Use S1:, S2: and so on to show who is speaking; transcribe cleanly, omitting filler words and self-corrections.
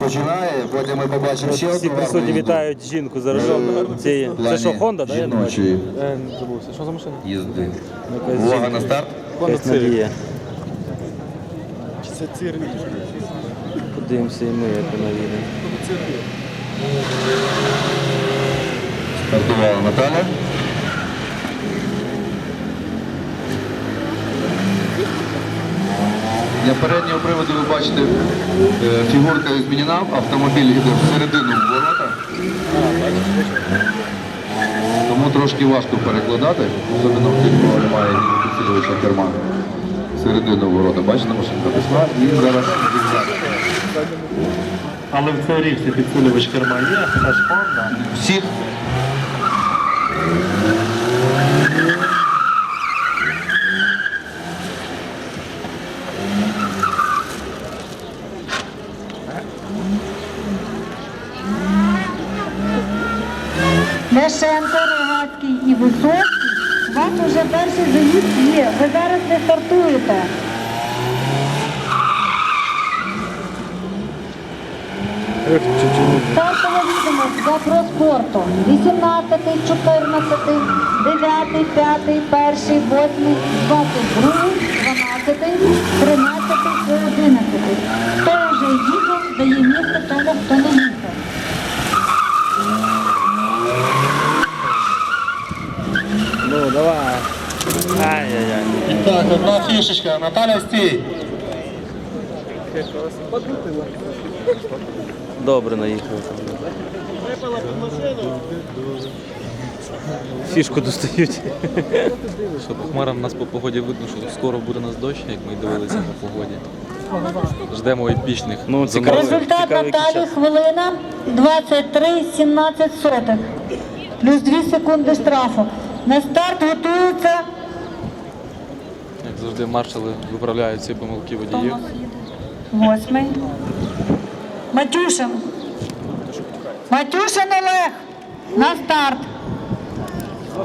S1: Починає, потім ми побачимо ще
S2: Всі
S1: одну
S2: присутні
S1: гарну
S2: вітають жінку за режим. Це що, Honda, так?
S1: жіночої
S2: Забувся. Що за машина?
S1: їзди.
S2: Якась
S1: Увага
S2: жінка.
S1: на старт.
S2: Якась надія.
S3: Чи це цирк?
S2: Подивимося і ми, як вона їде.
S1: Стартувала Наталя. Для переднього приводу ви бачите, фігурка змінена, автомобіль йде всередину ворота. Тому трошки важко перекладати, особливо в тих, кого немає підсилювача керма. Всередину ворота. Бачите, машинка пішла і зараз зігзаг.
S4: Але в теорії всі підсилювач керма є, аж Honda.
S1: Всіх.
S5: Ляшенко, Рогацький і Висоцький, у вас вже перший заїзд є, ви зараз не стартуєте. Стартова відомість за проспорту. 18, 14, 9, 5, 1, 8, 22, 12, 13 і 11. Хто вже їхав, дає місце тому, хто не їхав.
S2: Ну, давай. Ай-яй-яй.
S4: І так, одна фішечка. Наталя, стій.
S2: Добре наїхав. Фішку достають.
S6: Що по хмарам у нас по погоді видно, що скоро буде у нас дощ, як ми дивилися по погоді. Ждемо епічних.
S2: Ну, цікаво.
S5: Результат
S2: Цікавий
S5: Наталі
S2: час.
S5: хвилина 23,17. Плюс 2 секунди штрафу. На старт готується.
S6: Як завжди, маршали виправляють всі помилки водіїв.
S5: 8. Матюшин. Матюшин Олег. На старт.